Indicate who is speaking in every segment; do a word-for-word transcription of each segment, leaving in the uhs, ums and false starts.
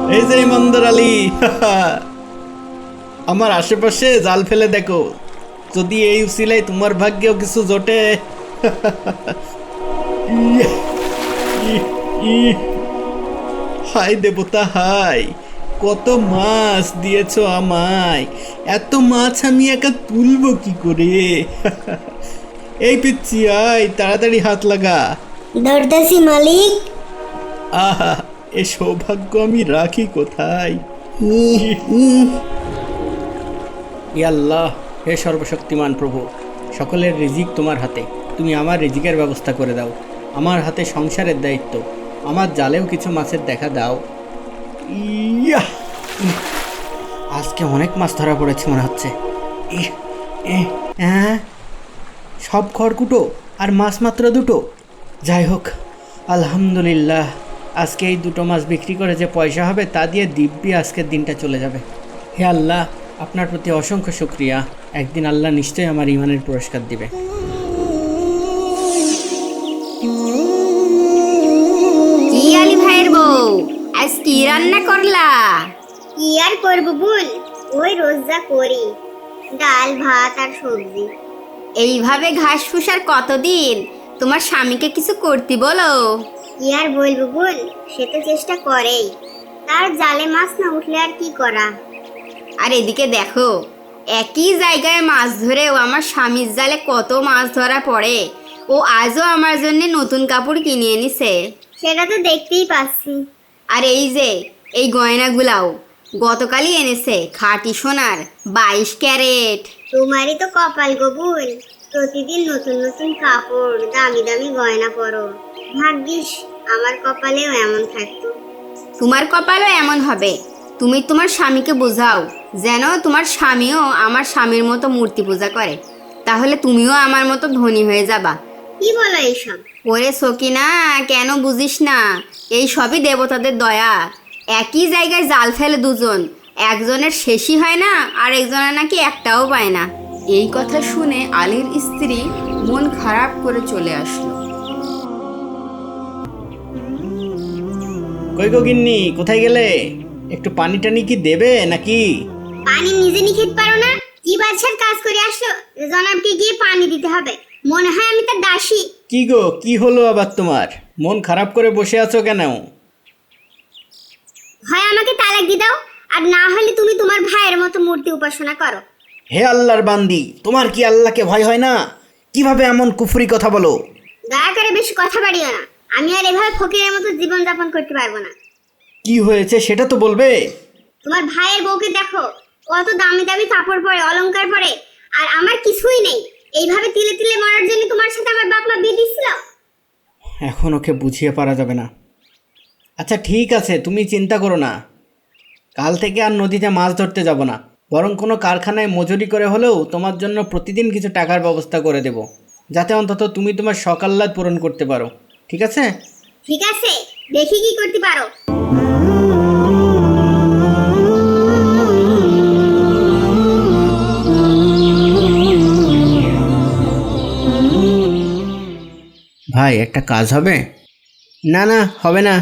Speaker 1: এই যে ইমানদার আলী, আমার আশেপাশে জাল ফেলে দেখো, যদি এই উসিলায় তোমার ভাগ্যেও কিছু জোটে। ইয়ে, ই, ই, হায় দেবতা হায়, কত মাছ দিয়েছো আমায়, এত মাছ আমি একা তুলবো কি করে? এই পিচ্ছি আয়, তাড়াতাড়ি হাত লাগা।
Speaker 2: ধরতেছি মালিক।
Speaker 1: আহা, এ সৌভাগ্য আমি রাখি কোথায়? ই আল্লাহ, হে সর্বশক্তিমান প্রভু, সকলের রিজিক তোমার হাতে, তুমি আমার রিজিকের ব্যবস্থা করে দাও। আমার হাতে সংসারের দায়িত্ব, আমার জালেও কিছু মাছের দেখা দাও। ইয়া, আজকে অনেক মাছ ধরা পড়েছে মনে হচ্ছে। ইহ, এহ, হ্যাঁ, সব খড়কুটো আর মাছ মাত্র দুটো। যাই হোক, আলহামদুলিল্লাহ, আজকে এই দুটো মাছ বিক্রি করে যে পয়সা হবে তা দিয়ে দিব্যি আজকের দিনটা চলে যাবে। হে আল্লাহ, আপনার প্রতি অসংখ্য শুক্রিয়া। একদিন আল্লাহ নিশ্চয়ই আমার ইমানের পুরস্কার দিবে।
Speaker 3: কি আলি ভাইয়ের বউ, আজ কি রান্না করলা?
Speaker 2: কি আর করবো বল, ওই রোজ যা করি, ডাল ভাত আর সবজি।
Speaker 3: এইভাবে ঘাস ফুসার কতদিন? তোমার স্বামীকে কিছু করতে বলো।
Speaker 2: কি আর বলবো বল, সে তো চেষ্টা করেই, তার জালে মাছ না উঠলে আর কি করা।
Speaker 3: আর এদিকে দেখো, একই জায়গায় মাছ ধরেও আমার স্বামীর জালে কত মাছ ধরা পড়ে। ও আজও আমার জন্য নতুন কাপড় কিনে এনেছে।
Speaker 2: সেটা তো দেখতেই পাচ্ছি।
Speaker 3: আর এই যে এই গয়নাগুলাও গতকালই এনেছে, খাঁটি সোনার বাইশ ক্যারেট।
Speaker 2: তোমারই তো কপাল গবুল, প্রতিদিন নতুন নতুন কাপড়, দামি দামি গয়না পরো। ভাগ্যিস আমার কপালেও এমন থাকতো।
Speaker 3: তোমার কপালও এমন হবে। তুমি তোমার স্বামীকে বোঝাও যেন তোমার স্বামীও আমার স্বামীর মতো মূর্তি পূজা করে, তাহলে তুমিও আমার মতো ধনী হয়ে যাবা।
Speaker 2: কি বলো এইসব?
Speaker 3: ওরে সকিনা, কেন বুঝিস না? এই সবই দেবতাদের দয়া। একই জায়গায় জাল ফেলে দুজন, একজনের শেষই হয় না আর একজনের নাকি একটাও পায় না। এই কথা শুনে আলীর স্ত্রী মন খারাপ করে চলে আসলো।
Speaker 1: কই গো গিন্নি, কোথায় গেলে? একটু পানি টানি কি দেবে নাকি?
Speaker 2: পানি নিজে নিয়ে খেতে পারো না? কি বাদশার কাজ করে আসলো যে জনাবকে গিয়ে পানি দিতে হবে? মনে হয় আমি তার দাসী।
Speaker 1: কি গো, কি হলো আবার তোমার? মন খারাপ করে বসে আছো কেন?
Speaker 2: হয় আমাকে তালাক দিয়ে দাও, আর না হলে তুমি তোমার ভাইয়ের মতো মূর্তি উপাসনা করো।
Speaker 1: হে আল্লাহর বান্দি, তোমার কি আল্লাহকে ভয় হয় না? কিভাবে এমন কুফরি কথা বলো?
Speaker 2: দয়া করে বেশি কথা বাড়িও না, আমি আর এভাবে ফকিরের মতো জীবন যাপন করতে পারবো না।
Speaker 1: কি হয়েছে সেটা তো বলবে।
Speaker 2: তোমার ভাইয়ের বউকে দেখো, কত দামি দামি কাপড় পরে, অলংকার পরে, আর আমার কিছুই নেই। এইভাবে তিলে তিলে মরার জন্য তোমার সাথে আমার বাপ মা বিয়ে দিচ্ছিল।
Speaker 1: এখন ওকে বুঝিয়ে পারা যাবে না। আচ্ছা ঠিক আছে, তুমি চিন্তা করো না, কাল থেকে আর নদীতে মাছ ধরতে যাব না, বরং কোনো কারখানায় মজুরি করে হলেও তোমার জন্য প্রতিদিন কিছু টাকার ব্যবস্থা করে দেব, যাতে অন্তত তুমি তোমার শখ আহ্লাদ পূরণ করতে পারো। ঠিক আছে?
Speaker 2: ঠিক আছে, দেখি কি করতে পারো।
Speaker 1: ভাই, একটা কাজ হবে? না না, হবে না।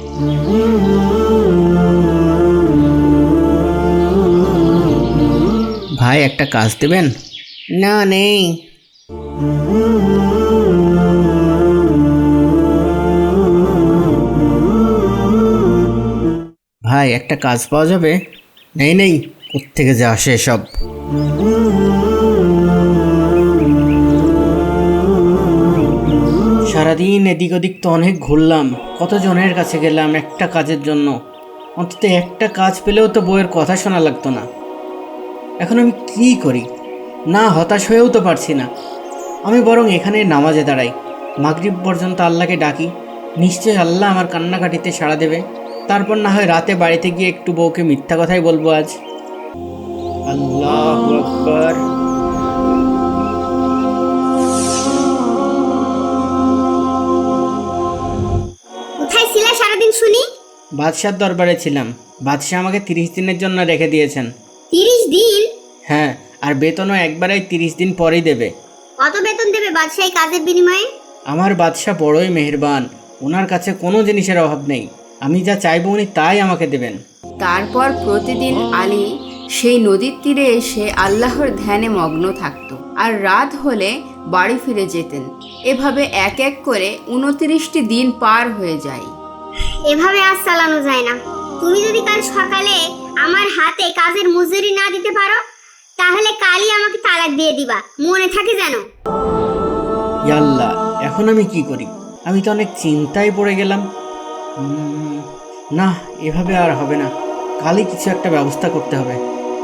Speaker 1: ভাই, একটা কাজ দেবেন? না, নেই। ভাই, একটা কাজ পাওয়া যাবে? নেই নেই, কোত্থেকে যে আসে সব। সারাদিন এদিক ওদিক তো অনেক ঘুরলাম, কতজনের কাছে গেলাম একটা কাজের জন্য, অন্তত একটা কাজ পেলেও তো বউয়ের কথা শোনা লাগতো না। এখন আমি কি করি? না হতাশ হয়েও তো পারছি না। আমি বরং এখানে নামাজে দাঁড়াই, মাগরিব পর্যন্ত আল্লাহকে ডাকি, নিশ্চয়ই আল্লাহ আমার কান্নাকাটিতে সাড়া দেবে। তারপর না হয় রাতে বাড়িতে গিয়ে একটু বউকে মিথ্যা কথাই বলবো আজ। আল্লাহু আকবার।
Speaker 2: কোথায় ছিলে সারাদিন শুনি?
Speaker 1: বাদশার দরবারে ছিলাম, বাদশাহ আমাকে তিরিশ দিনের জন্য রেখে দিয়েছেন।
Speaker 2: তিরিশ দিন?
Speaker 1: হ্যাঁ, আর বেতনও একবারেই তিরিশ দিন পরেই দেবে।
Speaker 2: কত বেতন দেবে বাদশাহী কাজের বিনিময়ে?
Speaker 1: আমার বাদশাহ বড়ই মেহেরবান, ওনার কাছে কোনো জিনিসের অভাব নেই। আমি যা চাইবো উনি তাই আমাকে দেবেন।
Speaker 3: তারপর প্রতিদিন আলী সেই নদীর তীরে এসে আল্লাহর ধ্যানে মগ্ন থাকত আর রাত হলে বাড়ি ফিরে যেতেন। এভাবে এক এক করে উনত্রিশটি দিন পার হয়ে যায়।
Speaker 2: এভাবে আজ চালানো যায় না। তুমি যদি কাল সকালে আমার হাতে কাজের মজুরি না দিতে পারো তাহলে কালই আমাকে তালাক দিয়ে দিবা, মনে থাকে যেন।
Speaker 1: ইয়াল্লাহ, এখন আমি কি করি? আমি তো অনেক চিন্তায় পড়ে গেলাম। উম, না, এভাবে আর হবে না। কালই কিছু একটা ব্যবস্থা করতে হবে।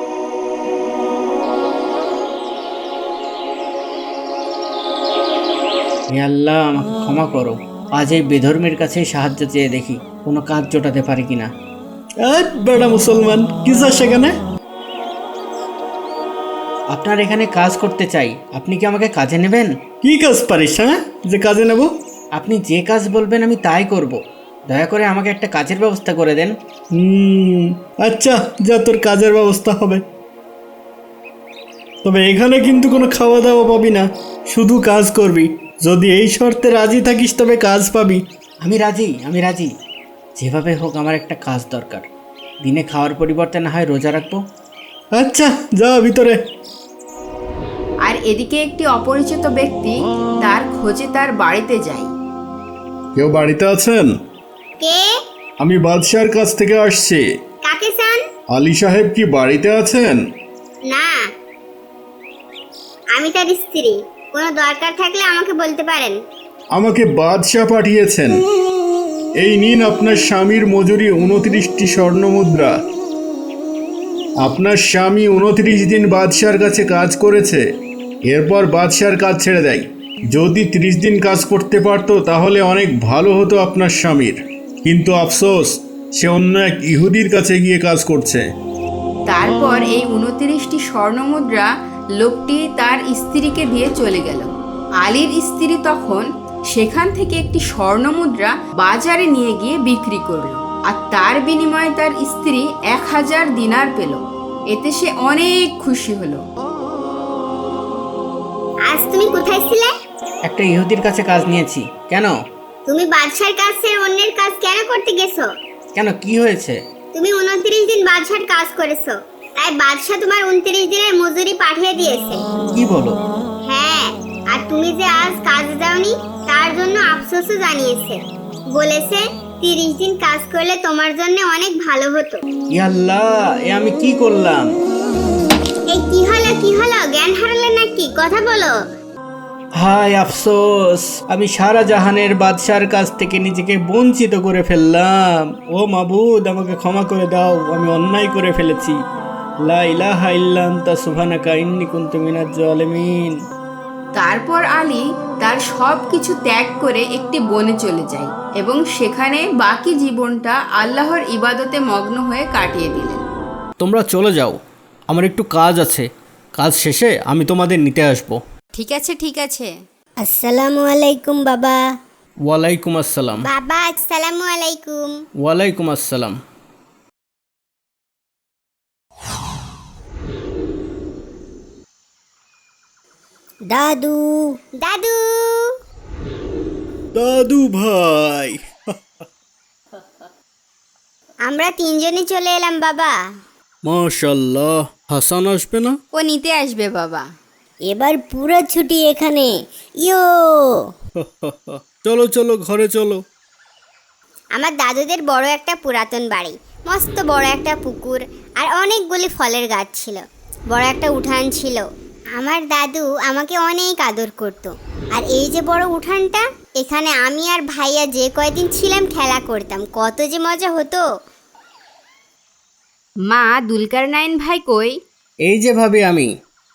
Speaker 1: হে আল্লাহ, আমাকে ক্ষমা করো। আজ এই বেধর্মের কাছে সাহায্য চেয়ে দেখি কোনো কাজ জোটাতে পারি কিনা। বেড়া মুসলমান, কি চাস সেখানে? আপনার এখানে কাজ করতে চাই, আপনি কি আমাকে কাজে নেবেন? কি কাজ পারিস, হ্যাঁ, যে কাজে নেব? আপনি যে কাজ বলবেন আমি তাই করব। দয়া করে আমাকে একটা কাজের ব্যবস্থা করে দেন। হুম, আচ্ছা, যা, তোর কাজের ব্যবস্থা হবে। তবে এখানে কিন্তু কোনো খাওয়া দাওয়া পাবি না, শুধু কাজ করবি। যদি এই শর্তে রাজি থাকিস তবে কাজ পাবি। আমি রাজি, আমি রাজি। যেভাবে হোক আমার একটা কাজ দরকার। দিনে খাওয়ার পরিবর্তে না হয় রোজা রাখবো। আচ্ছা, যা ভিতরে।
Speaker 3: আর এদিকে একটি অপরিচিত ব্যক্তি তার খোঁজে তার বাড়িতে যায়।
Speaker 4: কেউ বাড়িতে আছেন?
Speaker 2: কে?
Speaker 4: আমি বাদশাহর কাছ থেকে আসছি।
Speaker 2: কাকে চান?
Speaker 4: আলী সাহেব কি বাড়িতে আছেন?
Speaker 2: না, আমি তার স্ত্রী। কোনো দরকার থাকলে আমাকে বলতে পারেন।
Speaker 4: আমাকে বাদশাহ পাঠিয়েছেন। এই নিন আপনার স্বামীর মজুরি উনত্রিশটি স্বর্ণ মুদ্রা। আপনার স্বামী উনত্রিশ দিন বাদশাহর কাছে কাজ করেছে, এরপর বাদশাহর কাজ ছেড়ে দেয়। যদি ত্রিশ দিন কাজ করতে পারতো তাহলে অনেক ভালো হতো আপনার স্বামীর, কিন্তু আফসোস, সে অন্য এক ইহুদির কাছে গিয়ে কাজ করছে।
Speaker 3: তারপর এই উনত্রিশটি স্বর্ণমুদ্রা লোকটি তার স্ত্রীকে দিয়ে চলে গেল। আলীর স্ত্রী তখন সেখান থেকে একটি স্বর্ণমুদ্রা বাজারে নিয়ে গিয়ে বিক্রি করলো, আর তার বিনিময়ে তার স্ত্রী এক হাজার দিনার পেল। এতে সে অনেক খুশি হলো।
Speaker 2: আজ তুমি কোথায় ছিলে?
Speaker 1: একটা ইহুদির কাছে কাজ নিয়েছি। কেন?
Speaker 2: তুমি বাদশার কাছে অন্যের কাজ কেন করতে গেছো?
Speaker 1: কেন, কি হয়েছে?
Speaker 2: তুমি উনত্রিশ দিন বাদশার কাজ করেছো, তাই বাদশা তোমার উনত্রিশ দিনের মজুরি পাঠিয়ে দিয়েছে।
Speaker 1: কি বলো?
Speaker 2: হ্যাঁ, আর তুমি যে আজ কাজে যাওনি তার জন্য আফসোসও জানিয়েছে। বলেছে তিরিশ দিন কাজ করলে তোমার জন্য অনেক ভালো হতো।
Speaker 1: ইয়াল্লাহ, এ আমি কি করলাম?
Speaker 2: এই কি হলো, কি হলো? জ্ঞান হারালে নাকি? কথা বলো।
Speaker 1: হায় আফসোস, আমি সারা জাহানের বাদশার কাছ থেকে নিজেকে বঞ্চিত করে ফেললাম। ও মাবুদ, আমাকে ক্ষমা করে দাও, আমি অন্যায় করে ফেলেছি। লা ইলাহা ইল্লা আনতা সুবহানাকা ইন্নী কুনতু মিনাজ জালিমিন।
Speaker 3: তারপর আলী তার সব কিছু ত্যাগ করে একটি বনে চলে যায় এবং সেখানে বাকি জীবনটা আল্লাহর ইবাদতে মগ্ন হয়ে কাটিয়ে দিলেন।
Speaker 1: তোমরা চলে যাও, আমার একটু কাজ আছে। কাজ শেষে আমি তোমাদের নিতে আসবো।
Speaker 3: ঠিক আছে, ঠিক আছে।
Speaker 2: আসসালামু আলাইকুম বাবা।
Speaker 1: ওয়ালাইকুম আসসালাম।
Speaker 2: বাবা, আসসালামু আলাইকুম।
Speaker 1: ওয়ালাইকুম আসসালাম।
Speaker 2: দাদু, দাদু,
Speaker 1: দাদু ভাই,
Speaker 2: আমরা তিনজনই চলে এলাম বাবা।
Speaker 1: মাশাআল্লাহ। হাসান আসবে না?
Speaker 3: ও নিতে আসবে বাবা।
Speaker 2: এবার পুরো ছুটি এখানে। ইয়ো,
Speaker 1: চলো চলো, ঘরে চলো।
Speaker 2: আমার দাদুদের বড় একটা পুরাতন বাড়ি, মস্ত বড় একটা পুকুর আর অনেকগুলি ফলের গাছ ছিল। বড় একটা উঠান ছিল। আমার দাদু আমাকে অনেক আদর করত। আর এই যে বড় উঠানটা, এখানে আমি আর ভাইয়া যে কয়দিন ছিলাম খেলা করতাম, কত যে মজা হতো।
Speaker 3: মা, দুলকারনাইন ভাই কই?
Speaker 1: এই যে ভাবি আমি।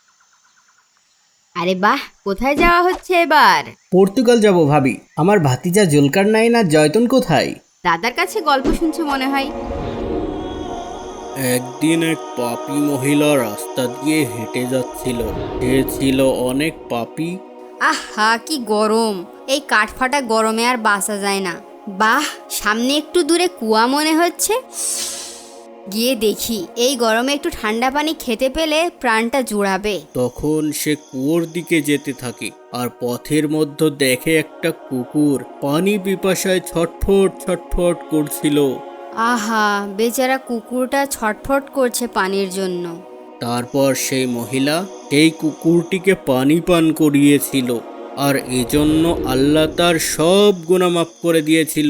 Speaker 3: আরে বাহ, কোথায় যাওয়া হচ্ছে এবার?
Speaker 1: পর্তুগাল যাব ভাবি। আমার ভাতিজা জুলকারনাইন আর জয়তুন কোথায়?
Speaker 3: দাদার কাছে গল্প শুনছে মনে হয়।
Speaker 1: একদিন এক পাপী মহিলা রাস্তা দিয়ে হেঁটে যাচ্ছিল। সে ছিল অনেক পাপী।
Speaker 3: আহা, কি গরম! এই কাঠফাটা গরমে আর বাঁচা যায় না। বাহ, সামনে একটু দূরে কুয়া মনে হচ্ছে। গিয়ে দেখি, এই গরমে একটু ঠান্ডা পানি খেতে পেলে প্রাণটা জুড়াবে।
Speaker 1: তখন সে কুয়োর দিকে যেতে থাকে আর পথের মধ্যে দেখে একটা কুকুর পানি পিপাসায় ছটফট ছটফট করছিল।
Speaker 3: আহা, বেচারা কুকুরটা ছটফট করছে পানির জন্য।
Speaker 1: তারপর সেই মহিলা এই কুকুরটিকে পানি পান করিয়েছিল, আর এজন্য আল্লাহ তার সব গুনাহ মাফ করে দিয়েছিল।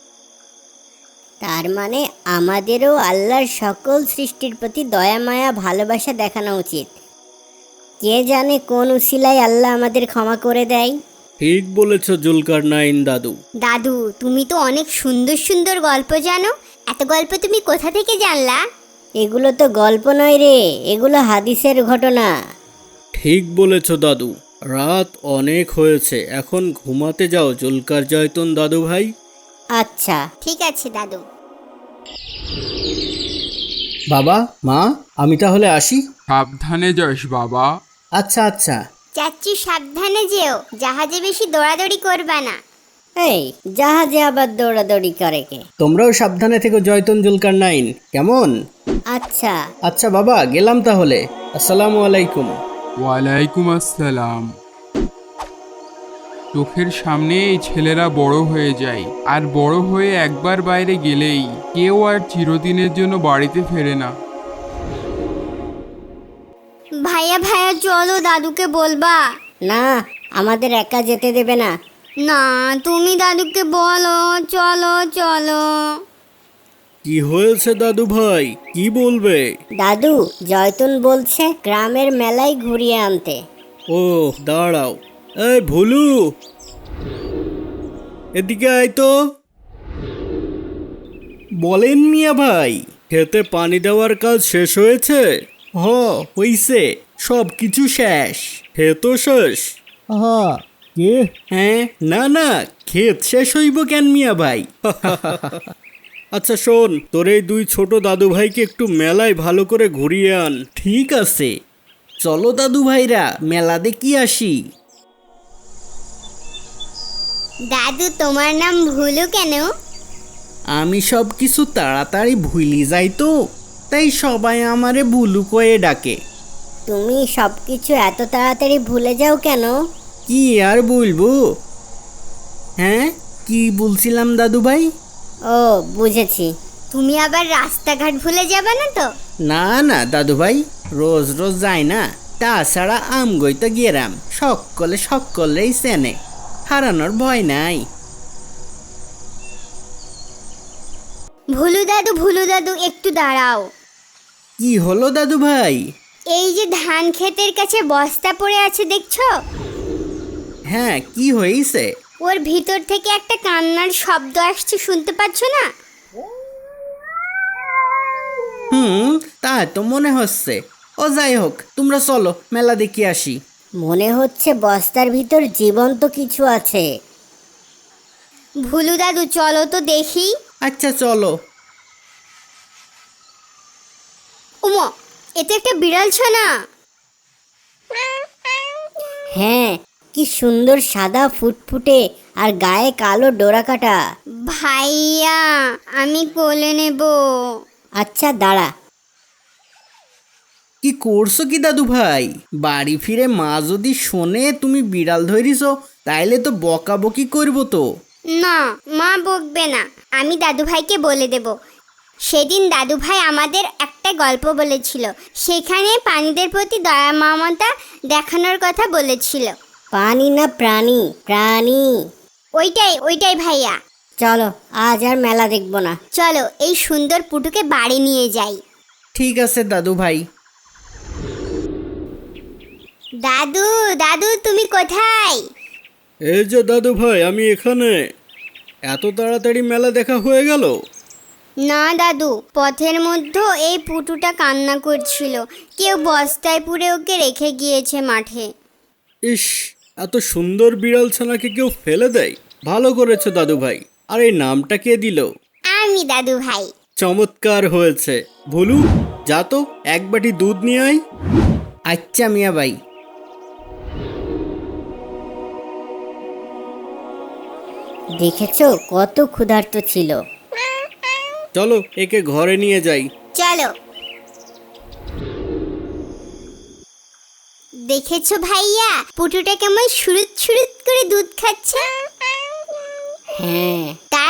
Speaker 2: তার মানে আমাদেরও আল্লাহর সকল সৃষ্টির প্রতি দয়া মায়া ভালোবাসা দেখানো উচিত। কে জানে কোন উসিলায় আল্লাহ আমাদের ক্ষমা করে দেয়।
Speaker 1: ঠিক বলেছ জুলকারনাইন দাদু।
Speaker 2: দাদু, তুমি তো অনেক সুন্দর সুন্দর গল্প জানো। এত গল্প তুমি কোথা থেকে জানলা? এগুলো তো গল্প নয় রে, এগুলো হাদিসের ঘটনা।
Speaker 1: ঠিক বলেছ দাদু। রাত অনেক হয়েছে, এখন ঘুমাতে যাও জুলকার জয়তুন দাদু ভাই।
Speaker 2: আচ্ছা ঠিক আছে দাদু।
Speaker 1: বাবা, মা, আমি তাহলে আসি।
Speaker 5: সাবধানে যাস বাবা।
Speaker 1: আচ্ছা আচ্ছা।
Speaker 2: চাচ্চু সাবধানে যেও, জাহাজে বেশি দৌড়াদৌড়ি করবা না।
Speaker 6: এই জাহাজে আবার দৌড়াদৌড়ি করে কে?
Speaker 1: তোমরাও সাবধানে থেকো জয়তুন জুলকারনাইন, কেমন?
Speaker 6: আচ্ছা
Speaker 1: আচ্ছা বাবা, গেলাম তাহলে। আসসালামু আলাইকুম।
Speaker 5: ওয়ালাইকুম আসসালাম। চোখের সামনে এই ছেলেরা বড় হয়ে যায়, আর বড় হয়ে একবার বাইরে গেলেই কেউ আর চিরদিনের জন্য বাড়িতে ফেরে না।
Speaker 2: ভাইয়া ভাইয়া চলো, দাদুকে বলবা।
Speaker 6: না, আমাদের একা যেতে দেবে না।
Speaker 2: না, তুমি দাদুকে বলো, চলো চলো।
Speaker 1: কি হয়েছে দাদু ভাই, কি বলবে?
Speaker 6: দাদু, জয়তুন বলছে গ্রামের মেলায় ঘুরিয়ে আনতে।
Speaker 1: ও দাঁড়াও, এই ভুলু, এদিকে আয় তো। বলেন মিয়া ভাই, খেতে পানি দেওয়ার কাজ শেষ হয়েছে? হ, হইছে, সব কিছু শেষ। খেতো শেষ? হ, কে? হ্যাঁ, না না, ক্ষেত শেষ হইব কেন মিয়া ভাই? আচ্ছা শোন, তোর এই দুই ছোট দাদু ভাইকে একটু মেলায় ভালো করে ঘুরিয়ে আন। ঠিক আছে, চলো দাদু ভাইরা, মেলা দেখি আসি।
Speaker 2: দাদু, তোমার নাম ভুলু কেন?
Speaker 1: আমি সব কিছু তাড়াতাড়ি ভুলি যাই তো, তাই সবাই আমারে ভুলু কয়ে ডাকে।
Speaker 6: তুমি সব কিছু এত তাড়াতাড়ি ভুলে যাও কেন?
Speaker 1: কি আর বলবো? হ্যাঁ, কি বলছিলাম দাদু ভাই?
Speaker 6: ও বুঝেছি।
Speaker 2: তুমি আবার রাস্তাঘাট ভুলে যাবে না তো?
Speaker 1: না না দাদু ভাই, রোজ রোজ যাই না। তাছাড়া আমগই তো গেরাম, সকলে সকলেই চেনে, হারানোর ভয় নাই।
Speaker 2: ভুলু দাদু, ভুলু দাদু, একটু দাঁড়াও।
Speaker 1: কি হলো দাদু ভাই?
Speaker 2: এই যে ধান ক্ষেতের কাছে বস্তা পড়ে আছে দেখছো?
Speaker 1: হ্যাঁ, কি হয়েছে?
Speaker 2: ওর ভিতর থেকে একটা কান্নার শব্দ আসছে, শুনতে পাচ্ছ না?
Speaker 1: হুম, তা তো মনে হচ্ছে। ও যাই হোক, তোমরা চলো মেলা দেখি আসি।
Speaker 6: মনে হচ্ছে বস্তার ভিতর জীবন্ত কিছু আছে।
Speaker 2: ভুলু দাদু, চলো তো দেখি।
Speaker 1: আচ্ছা চলো।
Speaker 2: উমা, এ তো একটা বিড়াল ছানা।
Speaker 6: হ্যাঁ, কি সুন্দর সাদা ফুটফুটে আর গায়ে কালো ডোরা কাটা।
Speaker 2: ভাইয়া, আমি কোলে নেব।
Speaker 6: আচ্ছা দাঁড়া।
Speaker 1: কি করছো কি দাদু ভাই? বাড়ি ফিরে মা যদি শোনে তুমি বিড়াল ধরিস, তাইলে তো বকাবকি করবো তো।
Speaker 2: না, মা বকবে না, আমি দাদু ভাইকে বলে দেব। সেদিন দাদু ভাই আমাদের একটা গল্প বলেছিল, সেখানে প্রাণীদের প্রতি দয়া মমতা দেখানোর কথা বলেছিল।
Speaker 6: পানি না প্রাণী? প্রাণী।
Speaker 2: ওইটাই ওইটাই ভাইয়া।
Speaker 6: চলো, আজ আর মেলা দেখবো না।
Speaker 2: চলো, এই সুন্দর পুটুকে বাড়ি নিয়ে যাই।
Speaker 1: ঠিক আছে দাদু ভাই।
Speaker 2: দাদু, দাদু, তুমি কোথায়?
Speaker 1: এই যে দাদু ভাই, আমি এখানে। এত তাড়াতাড়ি মেলা দেখা হয়ে গেল?
Speaker 2: না দাদু, পথের মধ্যে এই পুটুটা কান্না করছিল, কেউ বস্তায় পুরে ওকে রেখে গিয়েছে মাঠে।
Speaker 1: ইস, এত সুন্দর বিড়াল ছানাকে কেউ ফেলে দেয়? ভালো করেছো দাদু ভাই। আর এই নামটা কে দিল?
Speaker 2: আমি দাদু ভাই।
Speaker 1: চমৎকার হয়েছে। ভুলু, যা তো এক বাটি দুধ নিয়ে আয়। আচ্ছা মিয়া ভাই।
Speaker 6: দেখেছো কত ক্ষুধার্ত ছিল।
Speaker 1: চলো একে ঘরে নিয়ে যাই।
Speaker 2: চলো। দেখেছো ভাইয়া, পুটুটা কেমন সুরুত সুরুত করে দুধ খাচ্ছে?
Speaker 6: হ্যাঁ।
Speaker 2: তার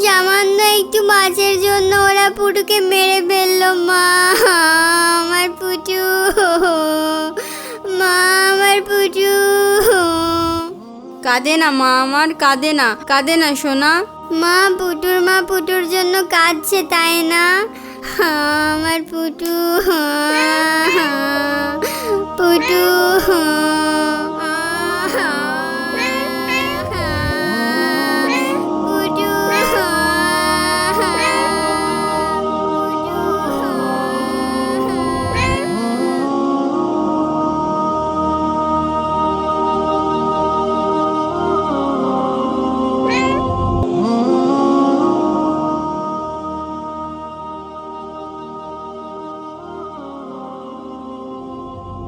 Speaker 2: সামান্য একটু মাছের জন্য ওরা পুটুকে মেরে ফেললো মা। আমার পুটু, মা আমার পুটু।
Speaker 3: কাঁদে না মা আমার, কাঁদে না, কাঁদে না সোনা।
Speaker 2: মা পুটুর মা পুটুর জন্য কাঁদছে তাই না? আমার পুটু, পুটু।